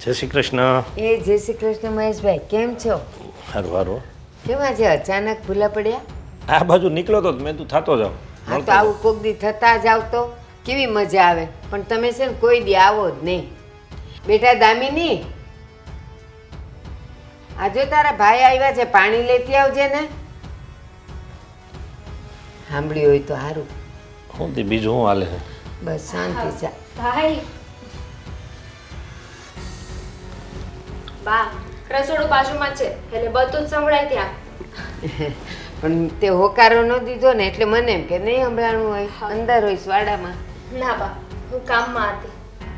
જય શ્રી કૃષ્ણ. જય શ્રી કૃષ્ણ મહેશભાઈ, કેમ છો? સારું સારું. કેમ આજે અચાનક ભૂલા પડ્યા? આ બાજુ નીકળ્યો તો મેં તું થતો જાવ. હા તો આવું કોક દી થતા જાવ તો કેવી મજા આવે, પણ તમે છે ને કોઈ દી આવો જ નહીં. બેટા દામિની, આજે તારા ભાઈ આવ્યા છે, પાણી લેતી આવજે ને. સાંભળ્યું હોય તો સારું. શું તે બીજું શું હાલે છે? બસ શાંતિ છે. ભાઈ બા રસોડું બાજુમાં છે એટલે બધું જ સંભળાય ત્યાં. પણ તે હોકારો ન દીધો ને એટલે મને એમ કે નહીં સંભળાણું હોય, અંદર હોય વાડામાં. ના બા, હું કામમાં હતી.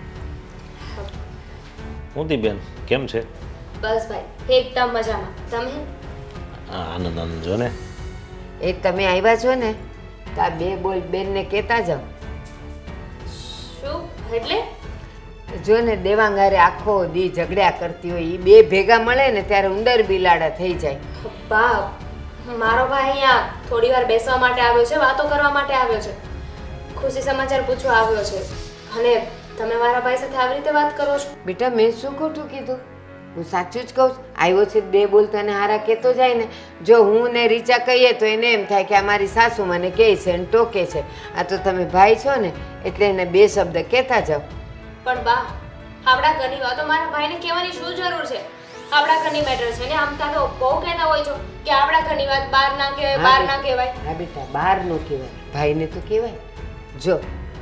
શું તી બેન કેમ છે? બસ ભાઈ એકદમ મજામાં. તમે? આનંદ આનંદ જો ને. એ તમે આવ્યા છો ને તો આ બે બોલ બેનને કહેતા જાઓ. શું એટલે? જો ને દેવાંગારે આખો દી ઝઘડ્યા કરતી હોય, એ બે ભેગા મળે ને ત્યારે ઉંદર બિલાડા થઈ જાય. બા મારો ભાઈ અહીંયા થોડી વાર બેસવા માટે આવ્યો છે, વાતો કરવા માટે આવ્યો છે, ખુશી સમાચાર પૂછવા આવ્યો છે, અને તમે મારા ભાઈ સાથે આવી રીતે વાત કરો છો? બેટા મેં શું ખોટું કીધું? હું સાચું જ કહું છું. આવ્યો છે બે બોલ તને હારા કહેતો જાય ને. જો હું ને રીચા કહીએ તો એને એમ થાય કે આ મારી સાસુ મને કહે છે અને ટોકે છે. આ તો તમે ભાઈ છો ને એટલે એને બે શબ્દ કહેતા જાઓ. પણ બા આપણા ઘરની વાતો મારા ભાઈને કહેવાની શું જરૂર છે? આપણા ઘરની મેટર છે ને. આમ તો બહુ કહેતા હોય છો કે આપણા ઘરની વાત બહાર ના કહેવાય, બહાર ના કહેવાય. હા બેટા, બહાર નો કહેવાય, ભાઈને તો કહેવાય. જો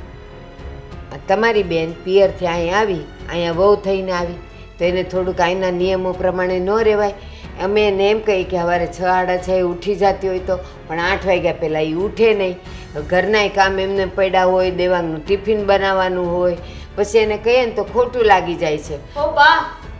તમારી બેન પિયરથી અહીં આવી, અહીંયા વહુ થઈને આવી તો એને થોડુંક અહીંના નિયમો પ્રમાણે ન રહેવાય. અમે એને એમ કહીએ કે સવારે 6 સાડા 6 ઉઠી જતી હોય તો, પણ 8 વાગ્યા પહેલાં એ ઉઠે નહીં. ઘરનાય કામ એમને પડ્યા હોય, દેવાનું ટિફિન બનાવવાનું હોય, પછી એને કહીએ ને તો ખોટું લાગી જાય છે. ઓ બા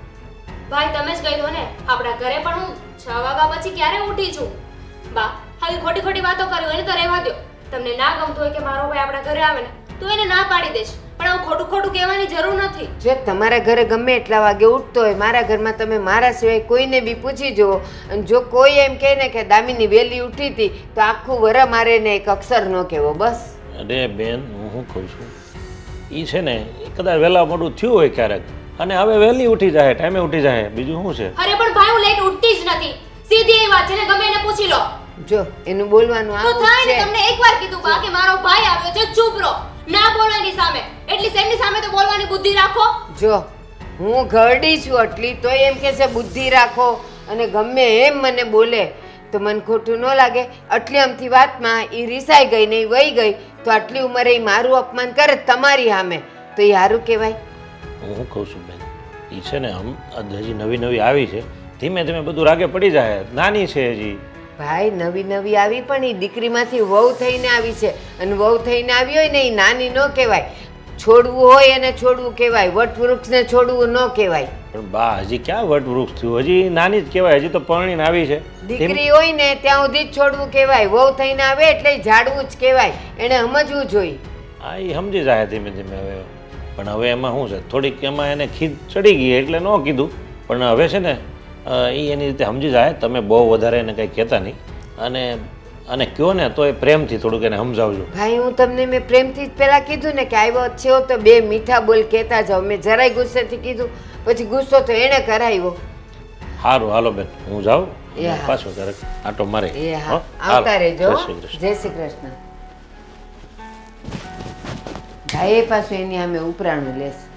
ભાઈ તમે જ કહી દો ને, આપણા ઘરે પણ હું 6 વાગ્યા પછી ક્યારે ઉઠી છું? બા હવે ખોટી ખોટી વાતો કરી હોય ને તો રહેવા દો. તમને ના ગમતું હોય કે મારો ભાઈ આપણા ઘરે આવે ને તો એને ના પાડી દેશ, પણ આવું ખોટું ખોટું કહેવાની જરૂર નથી. જો તમારા ઘરે ગમે એટલા વાગે ઉઠતો હોય, મારા ઘરમાં તમે મારા સિવાય કોઈને બી પૂછી જુઓ, અને જો કોઈ એમ કહે ને કે દામિની વહેલી ઉઠી હતી તો આખું વર મારે ને એક અક્ષર ન કહેવો બસ. અરે બેન હું શું કહું છું, એ છે ને કદાચ વહેલા મોડું થયું હોય ક્યારેક, અને હવે વહેલી ઉઠી જાય, ટાઈમે ઉઠી જાય, બીજું શું છે? અરે પણ ભાઈ હું લેટ ઉઠતી જ નથી, સીધી એ વાત છે ને, ગમે એને પૂછી લો. જો એનું બોલવાનું તો આવું થાય ને, છે. તમને એકવાર કીધું બા કે મારો ભાઈ આવ્યો છે, ચૂપ રહો, ના બોલો એની સામે. એટલી એમની સામે તો બોલવાની બુદ્ધિ રાખો. જો હું ઘરડી છું આટલી તોય એમ કે છે બુદ્ધિ રાખો, અને ગમે એમ મને બોલે તો મને ખોટું ન લાગે. આટલી અમથી વાતમાં એ રીસાઈ ગઈ ને એ વહી ગઈ તો આટલી ઉંમરે એ મારું અપમાન કરે તમારી સામે તો એ સારું કહેવાય? હું શું કહું છું બેન, એ છે ને હજી નવી નવી આવી છે, ધીમે ધીમે બધું રાગે પડી જાય, નાની છે હજી. ભાઈ નવી નવી આવી પણ એ દીકરીમાંથી વહુ થઈને આવી છે, અને વહુ થઈને આવી હોય ને એ નાની ન કહેવાય. છોડવું હોય એને છોડવું કહેવાય, વટવૃક્ષને છોડવું ન કહેવાય. પણ બા હજી ક્યાં વટવૃક્ષ થયું, હજી નાની જ કહેવાય, હજી તો પરણીને આવી છે. દીકરી હોય ને ત્યાં સુધી જ છોડવું કહેવાય, વહુ થઈને આવે એટલે ઝાડવું જ કહેવાય. એને સમજવું જોઈએ. હા એ સમજી જાય ધીમે ધીમે હવે. પણ હવે એમાં શું છે, થોડીક એમાં એને ખીજ ચડી ગઈ એટલે ન કીધું, પણ હવે છે ને એ એની રીતે સમજી જાય. તમે બહુ વધારે એને કંઈ કહેતા નહીં, અને કહો ને તો એ પ્રેમથી થોડુંક એને સમજાવજો. ભાઈ હું તમને મેં પ્રેમથી જ પહેલાં કીધું ને કે આવ્યો છે તો બે મીઠા બોલ કહેતા જાઓ. મેં જરાય ગુસ્સેથી કીધું, પછી ગુસ્સો તો એણે કરાવ્યો. સારું હાલો બેન હું જાઉં, એ હા. પાછો ક્યારેક આટો મારે. એ હા, હો? આવતા હાલો. રહેજો. જય શ્રી કૃષ્ણ. જય શ્રી કૃષ્ણ. ભાઈ પાછું એની સામે ઉપરાણું લેશે.